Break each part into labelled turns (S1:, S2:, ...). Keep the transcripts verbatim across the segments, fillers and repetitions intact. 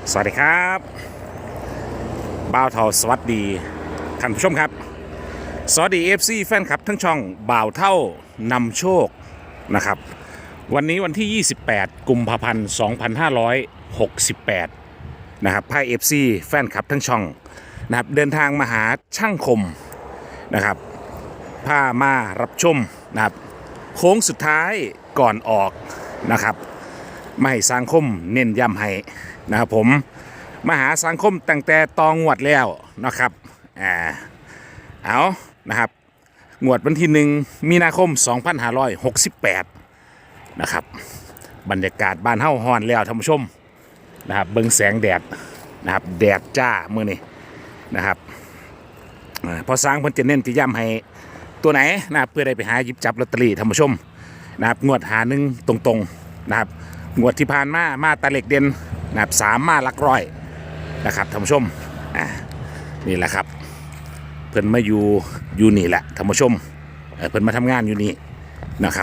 S1: สวัสดีครับบ่าวเท่าสวัสดีท่านผู้ชมครับสวัสดีเอฟซีแฟนคลับทั้งช่องบ่าวเท่านำโชคนะครับวันนี้วันที่ยี่สิบแปดกุมภาพันธ์สองพันห้าร้อยหกสิบแปดนะครับพายเอฟซีแฟนคลับทั้งช่องนะครับเดินทางมาหาช่างคมนะครับพามารับชมนะครับโค้งสุดท้ายก่อนออกนะครับไม่สังคมเน้นย้ำให้นะครับผมมาหาสังคมตั้งแต่ตองวดแล้วนะครับอ่าเอานะครับงวดวันที่หนึ่งมีนาคมสองพันห้าร้อยหกสิบแปดนะครับบรรยากาศบ้านเฮ้าฮ้อนแล้วท่านผู้ชมนะครับเบิ่งแสงแดดนะครับแดดจ้ามื้อนี้นะครับพอสร้างเพิ่นจะเน้นจะย้ำให้ตัวไหนนะครับเพื่อได้ไปหาหยิบจับลอตเตอรี่ท่านผู้ชมนะครับงวดหาหนึ่งตรงๆนะครับงวดที่ผ่านมามาตาเหล็กเด่นนะครับสามมาหลักร้อยนะครับท่านผู้ชมอ่านี่แหละครับเพิ่นมาอยู่อยู่นี่แหละท่านผู้ชมเพิ่นมาทำงานอยู่นี่นะครับ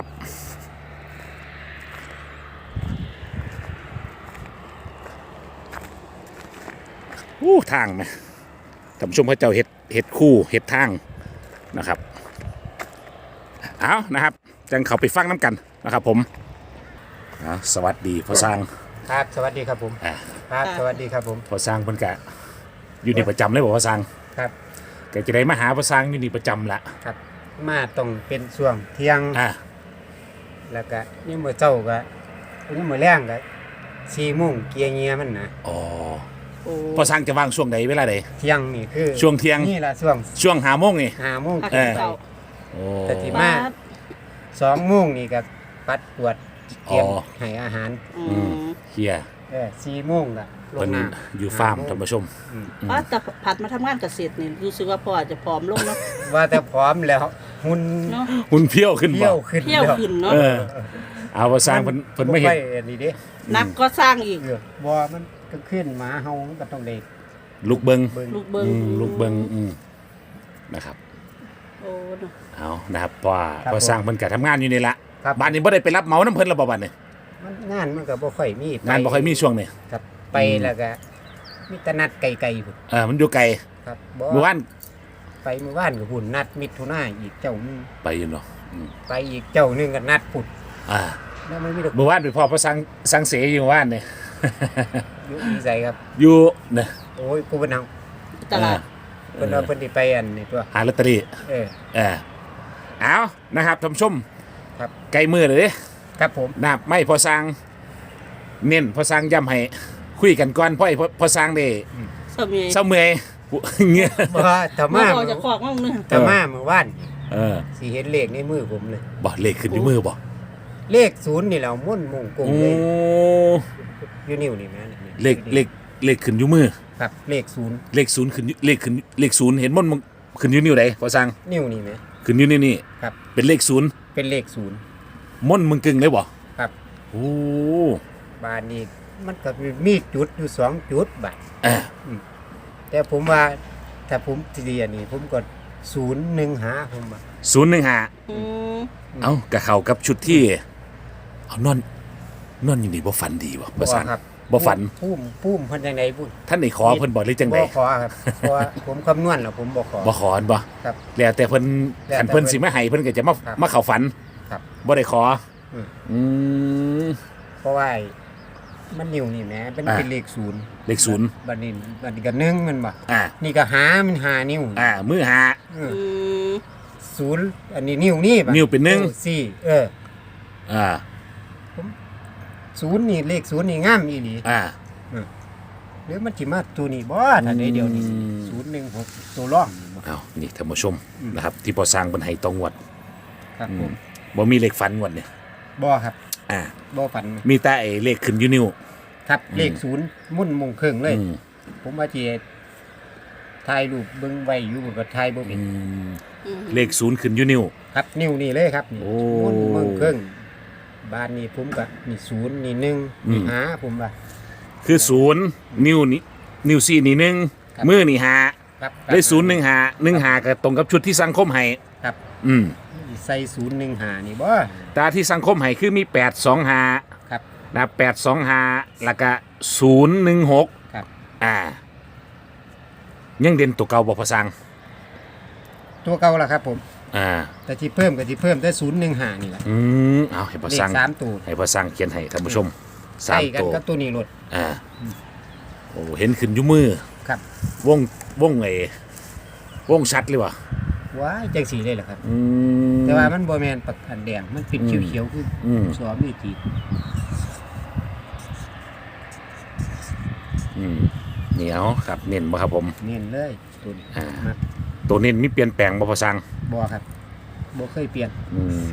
S1: อู้ทางไหมท่านผู้ชมเขาเจ้าเห็ดเห็ดคู่เห็ดทางนะครับเอานะครับจังเขาไปฟังน้ำกันนะครับผมสวัสดีพ่อสร้าง
S2: ครับสวัสดีครับผมครับสวัสดีครับผม
S1: พ่อสร้างเพิ่นกะอยู่นี่ประจำเลยบอกพ่อสร้าง
S2: ครับ
S1: แกจะได้มาหาพ่อสร้างอยู่นี่ประจำละ
S2: ครับมาต้องเป็นช่วงเที่ยง
S1: อ่า
S2: แล้วก็นี่มื้อเช้าก็นี่มื้อแรงก็สี่โมงเกียร์เงียมันนะ
S1: อ๋อพ่อสร้างจะว่างช่วงใดเวลาใด
S2: เที่ยงนี่คือ
S1: ช่วงเที่ยง
S2: นี่ล่ะช่วง
S1: ช่วงห้าโมงนี่
S2: ห้าโมง
S1: เออโอ้
S2: แต่ที่มาสองโมงนี่ก็ปัดตรวจเตรียมให้อาหาร
S1: อืมเฮีย
S2: เออสี่โมงก็ลงน้
S1: ำอยู่ฟาร์มท่านผู้ชม
S3: อ๋อแต่ผัดมาทำงานเกษตรนี่รู้สึกว่าพ่ออาจจะผอมลงเนาะ
S2: ว่าแต่พร้อมแล้วหุ่น
S1: หุ่นเพี้ยวขึ้นบ่
S2: เพี้ยวขึ้น
S3: เพี้ยวขึ้นเนาะ
S1: เออเอาพ่อสร้างเพิ่นเพิ่นไม่เห็น
S2: นี่เด้
S3: นักก็สร้างอีก
S2: บ่มันก็ขึ้นหมาเฮามันก็ต้องเด็ก
S1: ลูกเบิง
S3: ลูกเบิง
S1: ลูกเบิงนะครับ
S3: โอ้
S1: เอานะครับเพราะว่าพอสร้างเพิ่นก็ทำงานอยู่นี่ละบ้านนี้บ่ได้ไปรับเหมาน้ำเพิ่นแล้วบ่บัดนี้
S2: งานมันก็บ่ค่อยมี
S1: งานบ่ค่อยมีช่วงนี้
S2: ครับไปแล้วก็มีแต่นัดไกลๆพุ่น
S1: เออมันอยู่ไกล
S2: ครับ
S1: เมื่อวาน
S2: ไปเมื่อวานก็พุ่นนัดมิถุนายนอีกเจ้านึง
S1: ไปอยู่เนาะ
S2: ไปอีกเจ้านึงก็นัดพุ่น
S1: อ่า
S2: แล้วมันมี
S1: เมื่อวานไปพ่อพอสร้างสร้างเสยอยู่เมื่อวานนี่
S2: อยู่อีไสครับ
S1: อยู่เนี่ย
S2: โอ้ยกูเป็นเฮา
S3: ตลาด
S2: เพิ่นเอาเพิ่นสิไปอันนี่ตัว
S1: หาลอตเตอรี่
S2: เออ
S1: เออเอานะครับท่านผู้ชม
S2: ครับ
S1: ใกล้มือเลยเด้
S2: ครับผม
S1: นะครับไม่พอสร้างเน้นพอสร้างย้ำให้คุยกันก่อนพ่อไอ้พอสร้างได้
S3: เศร้าเมื่อย
S1: เศร้าเมื่อยเงี้ย
S2: บ่ถ้ามา
S3: บ่จะขอกมั่งนึง
S2: ถ้ามาเมื่อวาน
S1: เออ
S2: สิเห็นเลขในมือผมเลย
S1: บ่เลขขึ้นอยู่มือบ่
S2: เลขศูนย์นี่แหละมุ่นมุ่งกงเลยอยู่นิ้วนี่แม่
S1: เลขเลขเลขขึ้นอยู่มือ
S2: ครับเลขศูนย์
S1: เลขศูนย์ขึ้นเลขขึ้นเลขศูนย์เห็นมันขึ้นอยู่นิ้วไหนพอสร้าง
S2: นิ้วนี่ไหม
S1: ขึ้นอยู่นี่นี่
S2: ครับ
S1: เป็นเลขศูนย์
S2: เป็นเลขศูนย์
S1: ม่นมึงกึ่งเลยบ่
S2: ครับ
S1: โอ้
S2: บานนี้มันก็มีจุดอยู่สองจุดบาทแต่ผมว่าถ้าผมทีเดียวนี่ผมก็ศูนย์หนึ่งหาผมว่า
S1: ศูนย์หนึ่งหาเอ้ากะเข้ากับชุดที่เอานอนนอนอยู่นี่บ่ฝันดีบ่บ่สั่งบ่ฝัน
S2: พุ่มพุ่มเพิ่นจังได๋พุ่น
S1: ท่านได้ขอเพิ่นบ่หรือจังได๋
S2: บ่ขอครับเพราะว่าผมคำนวณแล้วผมบ่ขอ
S1: บ่ขอบ่
S2: ครับ
S1: แล้วแต่เพิ่นคันเพิ่นสิมาให้เพิ่นก็จะมามาเข้าฝัน
S2: ครับ
S1: บ่ได้ขออืม
S2: เพราะว่ามันนิ้วนี่แหมเป็นเป็นเลขศูนย์
S1: เลขศูนย์
S2: บัดนี้บัดนี้ก็หนึ่งมันบ่
S1: อ่า
S2: นี่ก็หามันหานิ้ว
S1: อ่ามือหา
S3: อืม
S2: ศูนย์อันนี้นิ้วนี่
S1: นิ้วเป็นหนึ่ง
S2: สี่เออ
S1: อ่า
S2: ศูนย์นี่เลขศูนย์นี่งามอีหลี
S1: อ่า
S2: หรือมันสิมาตัวนี้บ่ถ้าได้เดียวนี่ศูนย์หนึ่งหกตัวรอง
S1: อ้าวนี่ท่านผู้ชมนะครับที่พอสร้างเพิ่นให้ตองงวด
S2: ครับผม
S1: บ่มีเลขฝันงวดนี่
S2: บ่ครับ
S1: อ่า
S2: บ่ฝัน
S1: มีแต่ไอ้เลขขึ้นอยู่นิ้ว
S2: ครับเลขศูนย์มุ่นมงครึ่งเลยผมว่าสิถ่ายรูปเบิ่งไว้อยู่ก็ถ่ายบ่เป็น
S1: เลขศูนย์ขึ้นอยู่นิ้ว
S2: ครับนิ้วนี่เลยครับนี่มุ่นมงครึ่งบ้านนี้ผมก็นี่ศูนย์นี่หนึ่งนี่หาผมว่า
S1: คือศูนย์นิ้วนี่นิ้วสี่นี่หนึ่งมือนี่หาได้ศูนย์หนึ่งหาหนึ่งหาก็ตรงกับชุดที่สังคมให้
S2: ครับ
S1: อืม
S2: ใส่ศูนย์หนึ่งหานี่บ่
S1: ตาที่สังคมให้คือมีแปดสองหา
S2: ครับ
S1: นะแปดสองหาแล้วก็ศูนย์หนึ่งหก
S2: ครับ
S1: อ่า ยังเด่นตัวเก่าบ่พอสั่ง
S2: ตัวเก่าล่ะครับผม
S1: อ่า
S2: แต่ที่เพิ่มก็ที่เพิ่มได้ศูนย์หนึ่งห้านี่แหละ
S1: อืมเอาให้พอ
S2: เลข
S1: สั่ง
S2: สามตัว
S1: ให้พอสั่งเขียนให้ท่านผู้ชมสา
S2: ใส่
S1: ม
S2: กัน
S1: ตัว
S2: กับตัวนี้รถ
S1: อ่าโอ้เห็นขึ้นอยู่มือ
S2: ครับ
S1: วงวงไอ้วงชัดเลยวะ
S2: ว้ายจังสีเลยเหรอครับ
S1: อืม
S2: แต่ว่ามันบ่แม่นปักอันแดงมันเป็น
S1: อืม
S2: เขียวๆคือ
S1: อืม
S2: สอมีจีด
S1: อืมเหนียวครับเน้นบ่ครับผม
S2: เน้นเลยตัวนี้
S1: อ่า
S2: มัก
S1: ตัวเน้นมีเปลี่ยนแปลงบ่พอสั่ง
S2: บ่ครับบ่เคยเปลี่ยน
S1: อืม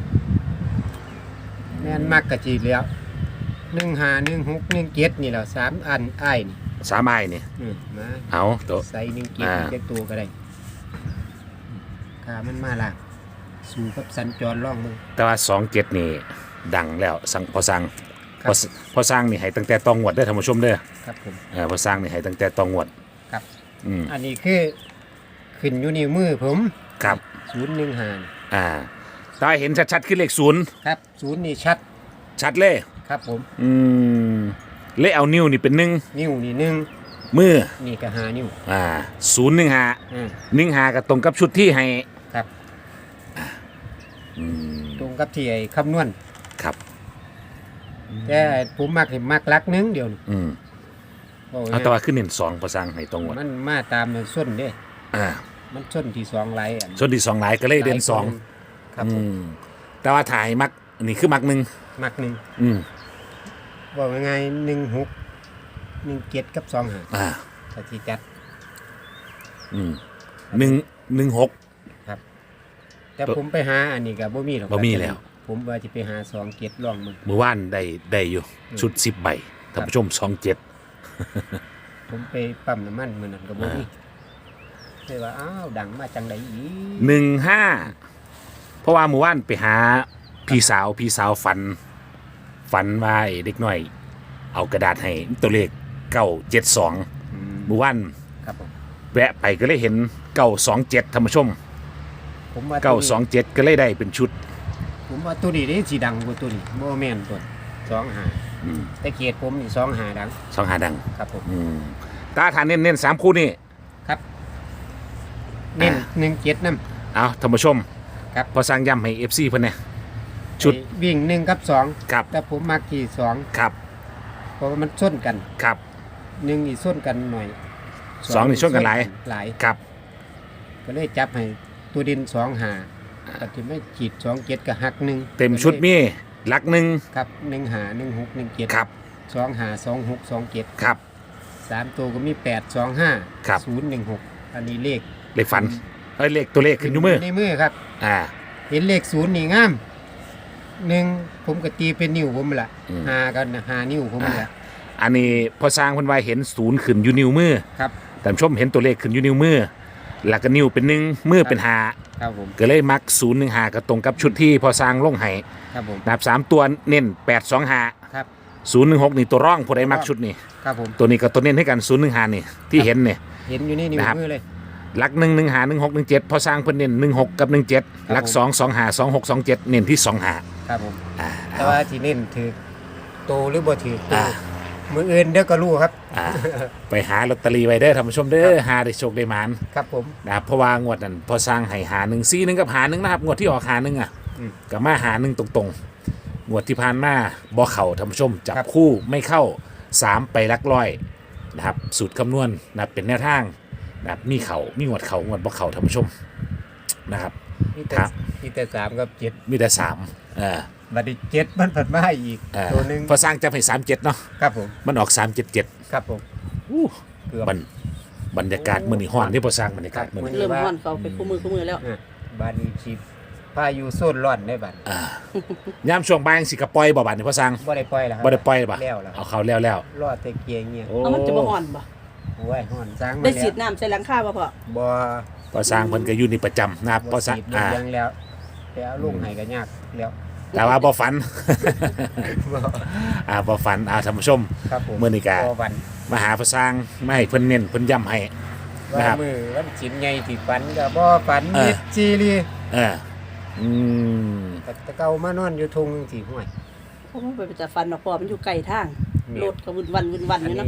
S2: แม่นมักกะจีดแล้วหนึ่งห้าหนึ่งหกหนึ่งเจ็ดนี่แหละสามอันอ้ายนี่
S1: สามไม้นี่
S2: อืมมา
S1: เอาตัว
S2: ใส่หนึ่งเจ็ด
S1: อ่า
S2: เจ็ดตัวก็ได้ขามันมาล่างสู่กับสัญจรล่องมือ
S1: แต่ว่าสองเจ็ดนี่ดังแล้วสั่งพอสั่ง
S2: ครั
S1: พอบ พอสร้างนี่ให้ตั้งแต่ตองงวดเด้อท่านผู้ชมเด้อ
S2: ครับผม
S1: เออพอสร้างนี่ให้ตั้งแต่ตองงวด
S2: ครับ
S1: อืม
S2: อันนี้คือขึ้นอยู่ในมือผม
S1: ครับ
S2: ศูนย์หนึ่งห้า
S1: อ่าถ้าเห็นชัดๆคือเลขศูนย์
S2: ครับศูนย์นี่ชัด
S1: ชัดเลย
S2: ครับผม
S1: อืมเลขเอานิ้วนี่เป็นหนึ่ง
S2: นิ้วนี่หนึ่ง
S1: มือ
S2: นี่ก็หานิ้ว
S1: อ่าศูนย์หนึ่งหา
S2: อ่า
S1: หนึ่งหากับตรงกับชุดที่ให้
S2: ครับ
S1: อืม
S2: ตรงกับที่ไอ้คำนวณ
S1: ครับ
S2: แต่ผมมักเห็นมักลักหนึงเดียวนี่
S1: อืม
S2: บอก
S1: เอาแต่ว่าขึ้นเน้นสองพอสร้างให้ตรงงวด
S2: มันมาตามส้นเด้
S1: อ่า
S2: มันส้นที่สองไหลอัน
S1: ส่วนที่สองหลายก็เลยเด่นสอง
S2: ครับ
S1: อื
S2: ผม
S1: มแต่ว่าถ่ายมักนี่คือมักหนึ่ง
S2: มักหนึ่ง
S1: อืม
S2: บอกยังไงหนึ่งหกหนึ่งเจ็ดกับสองหา
S1: อ่า
S2: ถ้าที่จัด
S1: อืมหนึ่งหนึ่งหก
S2: แต่
S1: ตัว
S2: ผมไปหาอันนี้กับบ่มีหรอก
S1: บ่มีแล้ว
S2: ผมว่าจะไปหาสองเจ็ดลองมึง
S1: เมื่อวานได้ได้อยู่
S2: อืม
S1: ชุดสิบใบท่านผู้ชมสองเจ็ด
S2: ผมไปปั๊มน้ำมันมือนั้นกับบ่มีเลยว่าอ้าวดังมาจังใดอีก
S1: หนึ่งห้าเพราะว่าเมื่อวานไปหาพี่สาวพี่สาวฝัน ฝันว่าไอ้เด็กน้อย เอากระดาษให้ตัวเลขเก้าเจ็ดสอง
S2: อืม
S1: เมื่อวาน
S2: ครับผม
S1: แวะไปก็เลยเห็นเก้าสองเจ็ดท่านผู้ชม
S2: ผมว่า
S1: เก้าสองเจ็ดก็เลยได้เป็นชุด
S2: ผมว่าตัวนี้นี่สีดังกว่าตัวนี้บ่แม่นตัวสองหา
S1: อืม
S2: แต่เกียรติผมนี่สองหาดัง
S1: สองหาดัง
S2: ครับผม
S1: อืมตาทานเน้นเน้นสามคู่นี่
S2: ครับเน้น
S1: อ่า
S2: หนึ่งเจ็ดน้
S1: เอาท่านผู้ชม
S2: ครับ
S1: พอสร้างย้ำให้เอฟซีเพิ่นเนี่ย
S2: ำ
S1: ชุด
S2: ไอ้วิ่งหนึ่งกับสอง
S1: ครับ
S2: แต่ผมมากี่สอง
S1: ครับ
S2: เพราะว่ามันส้นกัน
S1: ครับ
S2: หนึ่งนี่ส้นกันหน่อย
S1: สองนี่ส้นกันหลาย
S2: หลาย
S1: ครับ
S2: ก็เลยจับให้ตัวดินสองหาแต่ที่ไม่ขีดสองเจ็ดกับหักหนึ่ง
S1: เต็มชุดมีหลักหนึ่ง
S2: ครับหนึ่งหาหนึ่งหกหนึ่งเจ็ด
S1: ครับ
S2: สองหาสองหกสองเจ็ด
S1: ครับ
S2: สามตัวก็มีแปดสองห้า
S1: ครับ
S2: ศูนย์หนึ่งหกอันนี้เลข
S1: เลขฝันเอ้ยเลขตัวเลขขึ้นอยู่มือ
S2: ในมือครับ
S1: อ่า
S2: เห็นเลขศูนย์นี่งามหนึ่งผมก็ตีเป็นนิ้วผมละ
S1: อืม
S2: หากันหานิ้วผมละ
S1: อันนี้พอสร้างเพิ่นว่าเห็นศูนย์ขึ้นอยู่นิ้วมือ
S2: ครับ
S1: ท่านผู้ชมเห็นตัวเลขขึ้นอยู่นิ้วมือแล้วก็นิ้วเป็นหนึ่งมือเป็นหา
S2: ครับผม
S1: ก็เลยมักศูนย์หนึ่งหาก็ตรงกับชุดที่พอสร้างลงให้
S2: ครับผม
S1: นับสามตัวเน้นแปดสองหา
S2: ครับ
S1: ศูนย์หนึ่งหกนี่ตัวร่องผู้ใดมักชุดนี่
S2: ครับผม
S1: ตัวนี้ก็ตัวเน้นให้กันศูนย์หนึ่งหานี่ที่เห็นเนี่ย
S2: เห็นอยู่นี่นิ้ว
S1: นะครับ
S2: มือเลย
S1: หลักหนึ่งหนึ่งหาหนึ่งหกหนึ่งเจ็ดพอสร้างเพิ่นเน้นหนึ่งหกกับหนึ่งเจ็ด
S2: ครับ
S1: หลัก
S2: ผม
S1: สองสองหาสองหกสองเจ็ดเน้นที่สองหา
S2: ครับผม
S1: อ่า
S2: แต่ว่าที่เน้นถือโตหรือบ่ถือโต
S1: อ่า
S2: มืออื่นเดี๋ยวก็รู้ครับ
S1: อ่าไปหาลอตเตอรี่ไว้เด้อท่านผู้ชมเด้อหาได้โชคได้หมาน
S2: ครับผม
S1: นะครับเพราะว่างวดนั้นพอสร้างให้หาหนึ่งซีหนึ่งกับหาหนึ่งนะครับงวดที่ออกหาหนึ่งอ่ะ
S2: อืม
S1: กับมาหาหนึ่งตรงๆงวดที่ผ่านมาบ่เข่าท่านผู้ชมจับ
S2: ครับ
S1: คู่ไม่เข้าสามไปลักร้อยนะครับสูตรคำนวณนะครับเป็นแนวทางนะครับมีเข่ามีงวดเข่างวดบ่เข่าท่านผู้ชมนะครับ
S2: มีแต่
S1: ครับ
S2: มีแต่สามกับเจ็ด
S1: มีแต่สามเออ
S2: บัดนี้เจ็ดมันผัดมาอีก
S1: เออ
S2: ตัวหนึ่ง
S1: พอสร้างจับให้สามเจ็ดเนาะ
S2: ครับผม
S1: มันออกสามเจ็ดเจ็ด
S2: ครับผมเกือบ
S1: บรรบรรยากาศมื้อนี้ฮ้อนที่พอสร้างบรรยากาศมื้อนี้
S3: เริ่มฮ้อนเขาไปคู่มือคู่มือแล้ว
S2: อ่ะบาดนี้ชีพายุโซนร้อนได้บัด
S1: อ่ายามช่วงบ่ายจังสิกระปล่อยบ่บาดนี้พอสร้าง
S2: บ่ได้ปล่อยแล้วครับ
S1: บ่ได้ปล่อยบ่
S2: แล้วแล้ว
S1: เอาเข้าแล้วแล้ว
S2: รอดแต่เกียงเงี้ย
S1: โอ้
S3: เอามันจะบ่ฮ้อนบ่
S2: โอ้ยฮ้อนสร้างมา
S3: ได้
S2: แล้ว
S3: สีดน้ำใส่หลังคาบ่พ่อ
S2: บ่
S1: พอสร้างเพิ่นก็อยู่นี่ประจำนะครับพ
S2: บ่
S1: อสร้าง
S2: สีด
S1: อ่า
S2: เลี้ยงแล้วแต่เอาลงให้ก็ยากแล้ว
S1: แต่ว่าบ่ฝัน
S2: บ่
S1: อ่าบ่ฝันอ่าท่านผู้ชม
S2: ครับผม
S1: มื้อนี้ก็
S2: บ่วัน
S1: มาหาพอสร้างมาให้เพิ่นเน้นเพิ่นย้ำให้
S2: ว่า
S1: นะครับ
S2: มือวันสินใหญ่ที่ฝันก็บ่ฝัน
S1: เออ
S2: มิดจีรี
S1: เอออืม
S2: แต่แตะเก่ามานอนอยู่ทุ่งสิห้วย
S3: เพราะมันไปจะฟันเนาะพ่อมันอยู่ไกลทาง
S2: แม่น
S3: รถก็วุ่นวันวุ่นวัน
S2: อั
S3: อน ยู่เนาะ
S2: นี้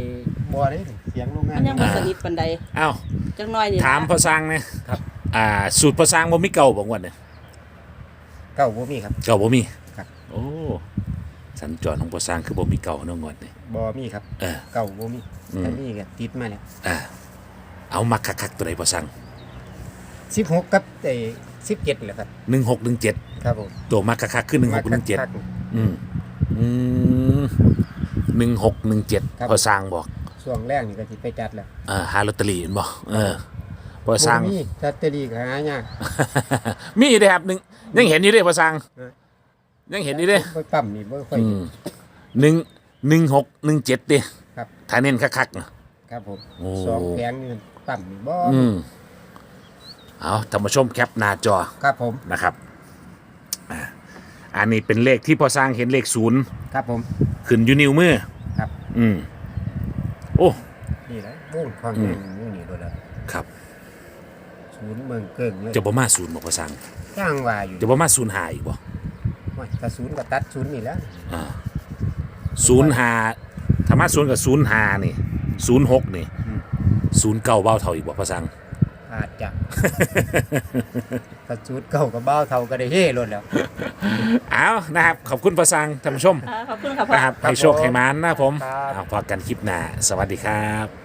S2: บ่ได้เสียงโรงงาน
S3: มันยังบ่สนิทปานใด
S1: เอ้า
S3: จังน้อยนี่
S1: ถาม
S3: นะ
S1: พอสร้างเนี่ย
S2: ครับ
S1: อ่าสูตรพอสร้างบ่มีเก่าบ่งวดเนี่ย
S2: เก้าบ่มีครับ
S1: เก่าบ่มี
S2: ครับ
S1: โอ้สัญจรของพอสร้างคือบ่มีเก่าเนาะงวดนี่
S2: บ่มีครับ
S1: เออ
S2: เก้าบ่มี
S1: อืม
S2: แต่มีก็ติดมาแล้ว
S1: อ่าเอามาคักๆตัวใดพอสร้าง
S2: สิบหกกับไอ้สิบเจ็ดแหละครับ
S1: หนึ่งหกหนึ่งเจ็ด
S2: ครับผม
S1: ตัวมาคักๆคือหนึ่งหกหนึ่งเจ็ด
S2: คัก
S1: อืมอืมหนึ่งหกหนึ่งเจ็ด
S2: ครับ
S1: พอสร้างบอก
S2: ๆช่วงแรกนี่ก็สิไปจัดแล้ว
S1: อ่าหาลอตเตอรี่เห็นบ่เออพอสร้าง
S2: บ่มีลอตเตอรี่ก็หายาก
S1: มีอยู่เด้ครับหนึ่งยังเห็นอยู่เด้พอสร้าง
S2: เออ
S1: ยังเห็นอยู่เด้
S2: บ่ปั๊มนี่บ่ค่อย
S1: อืมหนึ่งหนึ่งหกหนึ่งเจ็ดเด้
S2: ครับ
S1: ถ้าเน้นคักๆน่ะ
S2: ครับผม
S1: โอ้
S2: สองแผงนี่มันปั๊มนี่บ่
S1: อืมเอาท่านผู้ชมแคปหน้าจอ
S2: ครับผม
S1: นะครับอ่าอันนี้เป็นเลขที่พอสร้างเห็นเลขศูนย์
S2: ครับผม
S1: ขึ้นอยู่นิ้วมือ
S2: ครับ
S1: อืมโอ้
S2: นี่แหละวงความ
S1: อื
S2: แม่
S1: ม
S2: งอยู่นี่โดนแล้ว
S1: ครับ
S2: ศูนย์เมืองเกิงเลย
S1: จะบ่มาศูนย์บ่พอสร้าง
S2: จ้างว่าอยู่
S1: จะบ่มาศูนย์หาอีกบ่
S2: ว่าถ้าศูนย์ก็ตัดศูนย์นี่แหล้ว
S1: อ่าศูนย์หาถ้ามาศูนย์กับศูนย์หานี่ศูนย์หกนี่ศูนย์เก้าเบ้าเท่าอีกบ่พอสร้าง
S2: อาจจะ ถ้าศูนย์เก่ากับเบ้าเท่าก็ได้เฮ่รถแล้ว
S1: เอานะครับขอบคุณพอสร้างท่านผู้ชม
S3: อ่าขอบคุณค่ะพ่อ
S1: นะครับ
S2: ครับ
S1: ให้โชค
S2: ผม
S1: ให้มานนะครับผม
S2: ครับ
S1: เอาพอกันคลิปหน้าสวัสดีครับ